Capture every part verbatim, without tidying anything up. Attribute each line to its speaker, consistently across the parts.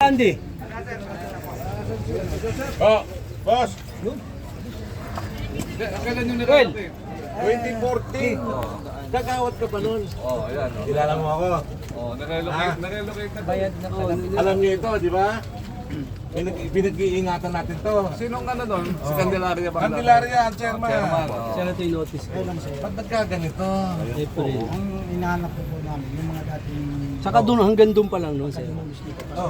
Speaker 1: Andy.
Speaker 2: Oh, boss.
Speaker 3: Kailan yung
Speaker 1: Well,
Speaker 2: twenty fourteen. Kagawat ka pa nun.
Speaker 3: Oh, ayan. Oh.
Speaker 2: Kilala mo ako.
Speaker 3: Oh, nare-locate, nare-locate na.
Speaker 1: bayad na po.
Speaker 2: Alam niyo ito, di ba? Pinag- Pinag-iingatan natin to.
Speaker 3: Sinong ano doon? Si Candelaria ba?
Speaker 2: Candelaria, ang chairman.
Speaker 3: Chairman. Oh.
Speaker 1: Siya na ito yung notice ko.
Speaker 2: Ba't ba't ka ganito?
Speaker 1: April.
Speaker 4: Ang inahanap ko po namin, yung mga dating...
Speaker 1: Saka doon, hanggang doon pa lang, no? Sir.
Speaker 2: Oh.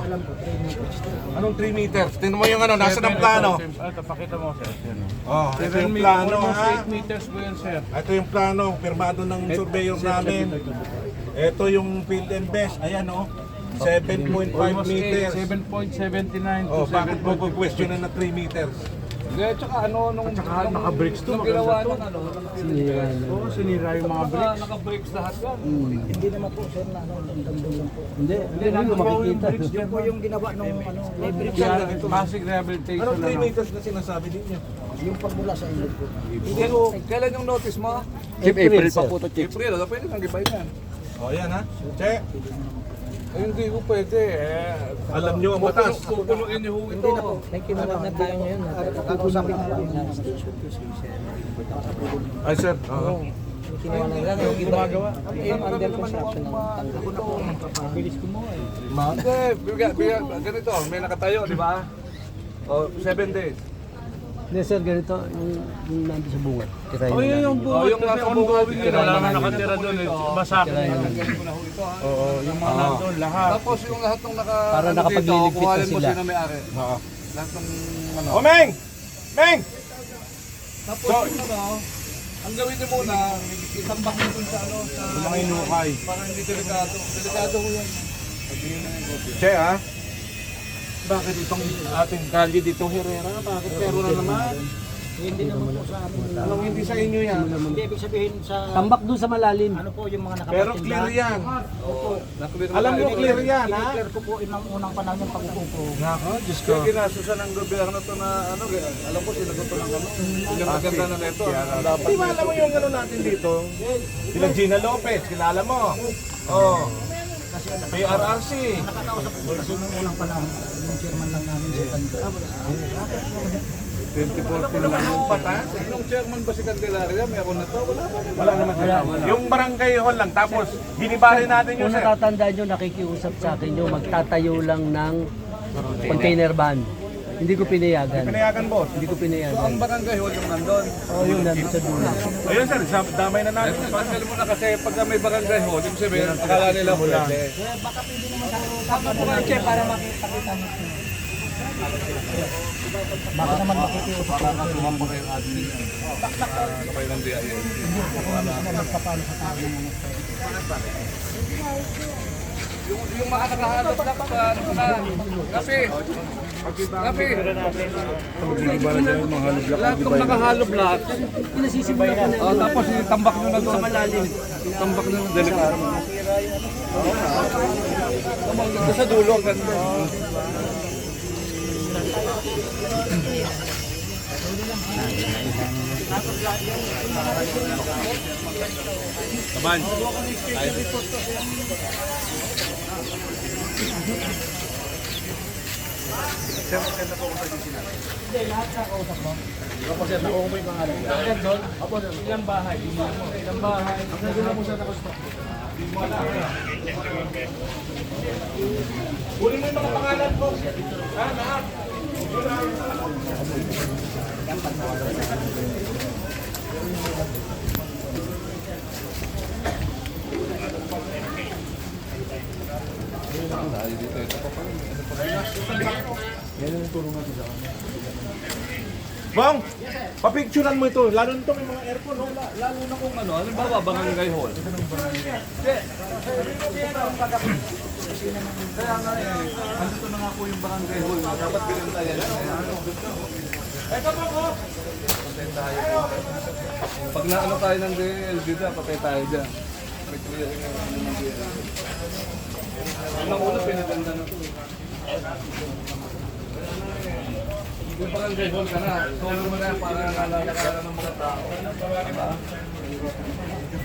Speaker 2: Anong three meters? Tingnan mo yung ano, nasa ng plano.
Speaker 5: Ito, pakita mo, sir. Yan, oh.
Speaker 2: Oh, ito yung plano
Speaker 5: Almost
Speaker 2: ha.
Speaker 5: eight meters po yan, sir.
Speaker 2: Ito yung plano, pirmado ng surveyor namin. Ito yung field and best. Ayan oh, seven point five
Speaker 5: Almost eight,
Speaker 2: meters.
Speaker 5: seven point seven nine
Speaker 2: Oh,
Speaker 5: to
Speaker 2: bakit mo
Speaker 5: seven point
Speaker 2: question na three meters?
Speaker 3: Hindi, tsaka ano, nung...
Speaker 5: Tsaka naka-brakes to,
Speaker 3: Nung
Speaker 5: maganda
Speaker 3: ginawa
Speaker 5: to.
Speaker 3: ng ano,
Speaker 1: Sinira na.
Speaker 5: Oo, sinira yung mga
Speaker 3: naka,
Speaker 5: bricks.
Speaker 3: naka-brakes lahat yan.
Speaker 4: Hindi naman po, sir, na ano, damdam lang po.
Speaker 1: Hindi, hindi, hindi ko makikita.
Speaker 4: Yun po yung ginawa nung ano,
Speaker 5: Yan, basic rehabilitation
Speaker 2: Anong three
Speaker 5: ano.
Speaker 2: meters na sinasabi ninyo?
Speaker 4: yung pagmula sa inyo po.
Speaker 3: Pero, kailan yung notice mo?
Speaker 1: April pa po ito, Chief.
Speaker 3: April, ano, pwede nang gibay yan.
Speaker 2: Oh, yan ha. Che,
Speaker 3: Eh, hindi ko pwede. Eh,
Speaker 2: alam nyo ang batas.
Speaker 3: pupunuin niyo ho ito.
Speaker 4: Hindi na po. May kinuha na tayo ngayon. Kakausapin na rin na station to station.
Speaker 2: Ay sir, oo.
Speaker 4: Kinuha na lang yung gumagawa. Yung under construction ng tanggal.
Speaker 1: Bilis ko mo eh.
Speaker 3: Hindi, biga, biga, ganito, may nakatayo, di ba? O, seven days.
Speaker 1: Hindi, sir, ganito, yung, yung nandun sa bunga. Tirayin
Speaker 5: Oh,
Speaker 1: na
Speaker 5: yun
Speaker 1: namin.
Speaker 5: yung
Speaker 3: Oh,
Speaker 5: buhat
Speaker 3: yung
Speaker 5: kasi
Speaker 3: nasa
Speaker 5: ongoing
Speaker 3: buhat,
Speaker 5: yun. Wala
Speaker 3: tirayan
Speaker 5: na
Speaker 3: namin.
Speaker 5: nakatira doon eh. Masak.
Speaker 1: Tirayin na namin.
Speaker 3: Ganyan ko na ho ito, ha?
Speaker 5: Oo, yung mga nandun, lahat.
Speaker 3: Tapos yung lahat ng naka...
Speaker 1: Para
Speaker 3: ano
Speaker 1: nakapagliligpit
Speaker 3: dito, kuhanin
Speaker 1: na
Speaker 3: mo
Speaker 1: sila.
Speaker 3: sino may-ari.
Speaker 2: Oo.
Speaker 3: Lahat ng ano.
Speaker 2: Oh, Meng! Meng!
Speaker 3: Tapos yung ano, ang gawin niyo muna, itambak niyo dun sa ano, sa...
Speaker 2: Yung mga inukay.
Speaker 3: Para hindi delikado. Delikado ho yan.
Speaker 2: Che ha? Bakit itong ating kalye dito, Herrera? Bakit pero na naman?
Speaker 4: Hindi naman po sa amin.
Speaker 2: Anong hindi sa inyo yan?
Speaker 4: Hindi, ibig sabihin sa...
Speaker 1: Tambak doon sa malalim.
Speaker 4: Ano po yung mga
Speaker 2: Pero
Speaker 4: nakapatinda.
Speaker 2: clear yan.
Speaker 3: Oo. Naklear
Speaker 2: Alam mo clear yan, ha?
Speaker 4: I-clear ko po inang unang panahon ng pag-upo ko.
Speaker 2: Nako, Diyos ko.
Speaker 3: Kaya ginasusan ng gobyerno to na ano, alam ko sinagot to ng ano. Yung maganda na nito. Dapat.
Speaker 2: Di ba alam mo yung ano natin dito? Sila Gina Lopez, kilala mo. Oh. P R R C.
Speaker 4: Nakakausap ko kasi nung unang panahon, yung chairman lang namin sa Tanda.
Speaker 3: twenty fourteen lang yung patas. Nung chairman ba si Candelaria, meron na to? Wala pa.
Speaker 2: Wala naman sila. Yung barangay hall lang, tapos hinibarin natin yun,
Speaker 1: Kung
Speaker 2: sir.
Speaker 1: natatandaan nyo, nakikiusap sa akin nyo, magtatayo lang ng container van. Hindi ko pinayagan.
Speaker 2: Pinayagan, boss.
Speaker 1: Hindi ko
Speaker 3: So ang
Speaker 1: pinayagan.
Speaker 3: barangay hall yung nandun.
Speaker 1: Oo, yun, nandun sa dulo.
Speaker 2: Ayun, sir, sa- damay na natin.
Speaker 3: Tanggal mo na kasi pag may barangay hall, yung sabihin, akala nila hula.
Speaker 4: Tama po kayo, Che, para makita-kita nyo. Baka naman makikiusap ko.
Speaker 3: Tumamba kayo admin. Ano kayo ng D I A?
Speaker 4: Magpapalo sa tao ng mga
Speaker 3: Yung, yung mga nakahanap lang pa, ano pa, kape. Kape. Lahat ng nakahalop lahat.
Speaker 1: Pinasisibay na
Speaker 3: Oh, tapos itambak nyo na doon sa malalim. Tambak nyo na delikado. Ito sa dulo, ang ganda. Kaman.
Speaker 2: Kunin mo yung mga pangalan ko. Ha, lahat. Bong, papicturean mo ito. Lalo nito may mga aircon, no?
Speaker 3: Lalo na kung ano, ano ba barangay hall? Kaya nga eh, andito na nga po yung barangay hall. Dapat binantayan.
Speaker 2: Ito po po.
Speaker 3: Patay tayo. Pag naano tayo ng D L D dyan, patay tayo dyan. May clearing na ano ng D L D. Unang una, pinaganda na ito. Yung barangay hall ka na, solo mo na yan para nalala ka ng mga tao. Diba?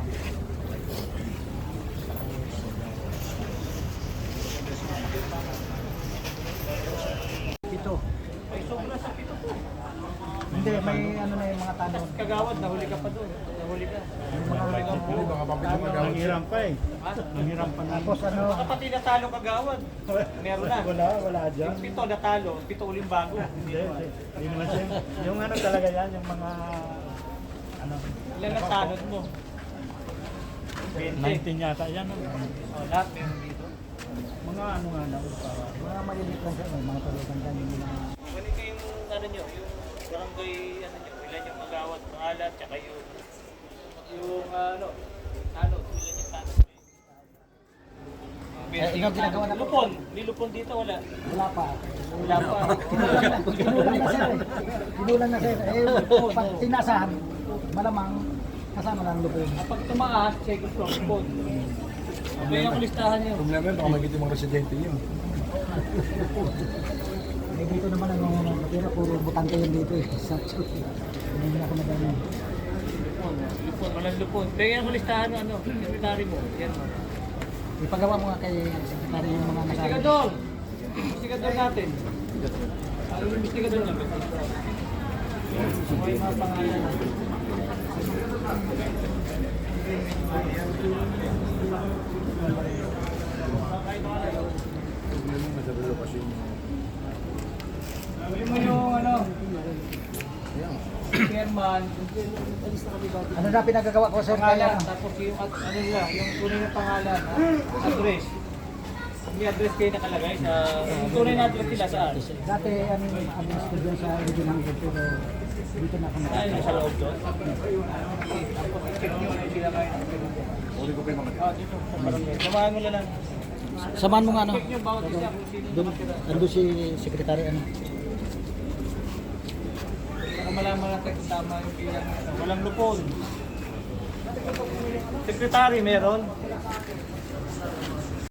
Speaker 1: Ito.
Speaker 4: Ay, sobra sa pito po.
Speaker 6: Hindi, may ano na yung mga tanong.
Speaker 4: Kagawad, nahuli ka pa doon. Nahuli ka.
Speaker 6: Nanghiram pa eh.
Speaker 4: Ha?
Speaker 6: Nanghiram pa. Tapos ano?
Speaker 4: Baka pati natalo kagawad. Meron na.
Speaker 6: Wala, wala dyan.
Speaker 4: Yung pito natalo, pito uling bago.
Speaker 6: Hindi, hindi. Hindi naman siya. Yung ano talaga yan, yung mga ano.
Speaker 4: Ilan natalon mo?
Speaker 6: nineteen yata yan. no?
Speaker 4: Oh, lahat meron dito.
Speaker 6: Mga ano nga na, para mga maliliit lang siya, may mga tulutan dyan yung mga
Speaker 4: Kunin ko yung ano nyo, yung barangay, ano nyo, ilan yung magawat, pangalan, tsaka yung, yung ano, ano, ilan yung tanong.
Speaker 7: Eh, ikaw ginagawa na
Speaker 4: Lupon, lilupon dito wala.
Speaker 7: Wala pa.
Speaker 4: Wala pa.
Speaker 7: Ginulan na sir. Ginulan na sir. Eh, pag tinasahan, malamang kasama lang lupin.
Speaker 4: Pag tumaas, check it from lupon. May ang listahan nyo.
Speaker 6: Problema yun, baka magiging mga residente yun.
Speaker 7: Eh, dito naman ang mga matira, puro butante yun dito eh. Sa hindi na ako nagano.
Speaker 4: Lupon, lupon, walang lupon. May ang listahan ng ano, secretary mo. Yan mo.
Speaker 7: Ipagawa mo nga kay sekretary yung mga nasabi.
Speaker 4: Investigador! Investigador natin. Ano yung investigador natin? May mga pangalan. Sabi mo yung ano, chairman,
Speaker 7: Ano na pinagagawa ko sir
Speaker 4: pangalan,
Speaker 7: kaya?
Speaker 4: tapos yung at- ano nila, yung tunay na pangalan, ha? Address. May address kayo nakalagay sa, yung tunay na address nila saan?
Speaker 7: Dati ano yung address ko dyan sa original ko pero dito na ako
Speaker 4: Ay,
Speaker 7: nakakita.
Speaker 4: nasa loob doon. Tapos i-check nyo kung sila kayo.
Speaker 2: Uli ko pa yung mga
Speaker 4: Ah, dito, sa barangay. Samahan mo na lang.
Speaker 7: Samahan mo nga ano?
Speaker 4: Check nyo bawat isa kung sino
Speaker 7: Doon,
Speaker 4: nakatira.
Speaker 7: ando si sekretary ano?
Speaker 4: Para malaman natin kung tama yung bilang. Walang lupon. Secretary meron.